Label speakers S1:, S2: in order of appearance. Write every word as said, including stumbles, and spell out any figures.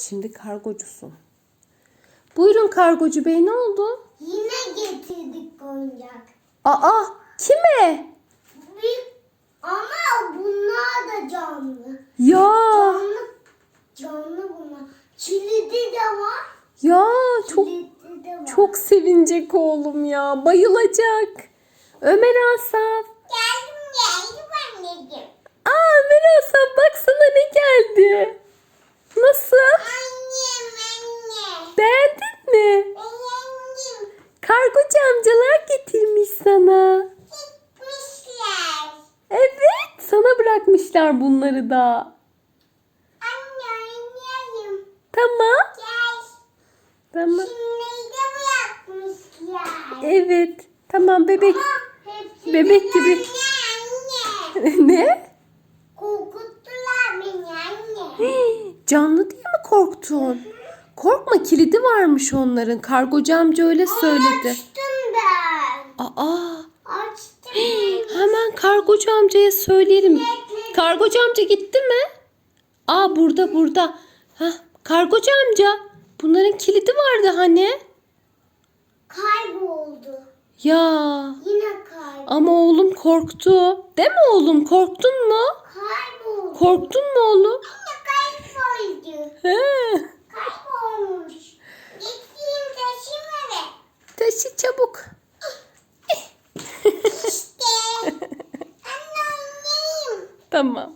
S1: Şimdi kargocusun. Buyurun kargocu bey, ne oldu?
S2: Yine getirdik oyuncak.
S1: Aa, kime?
S2: Bir, ama bunlar da canlı.
S1: Ya
S2: Canlı, canlı bunlar. Kilidi de var.
S1: ya çok
S2: Kilidi de var.
S1: çok sevinecek oğlum ya. Bayılacak. Ömer Asaf.
S2: Geldim geldim anneciğim.
S1: Aa Ömer Asaf, bak sana ne geldi. Nasıl?
S2: Annem anne.
S1: Beğendin mi?
S2: Beğendim.
S1: Kargocu amcalar getirmiş sana.
S2: Gitmişler.
S1: Evet, sana bırakmışlar bunları da.
S2: Anne oynayalım.
S1: Tamam.
S2: Gel.
S1: Tamam.
S2: Şimdi de bırakmışlar.
S1: Evet. Tamam bebek.
S2: Ama hepsi
S1: Bebek
S2: de
S1: gibi.
S2: anne, anne.
S1: Ne?
S2: Korkuttular beni anne.
S1: Hii, canlı diye mi korktun? Korkma, kilidi varmış onların. Kargocu amca öyle söyledi.
S2: Açtım ben.
S1: Aa,
S2: Açtım.
S1: hemen kargocu amcaya söyleyelim. Kargocu amca gitti mi? Aa, burada burada. Hah, kargocu amca. Bunların kilidi vardı hani.
S2: Kayboldu.
S1: Ya
S2: Yine kayboldu.
S1: ama oğlum korktu. Değil mi oğlum? Korktun mu?
S2: Kayboldu.
S1: Korktun mu oğlum?
S2: Anne kayboldu.
S1: He.
S2: Kaybolmuş. Gideyim taşıyayım eve.
S1: Taşı çabuk.
S2: İşte. Anne oynayayım.
S1: Tamam.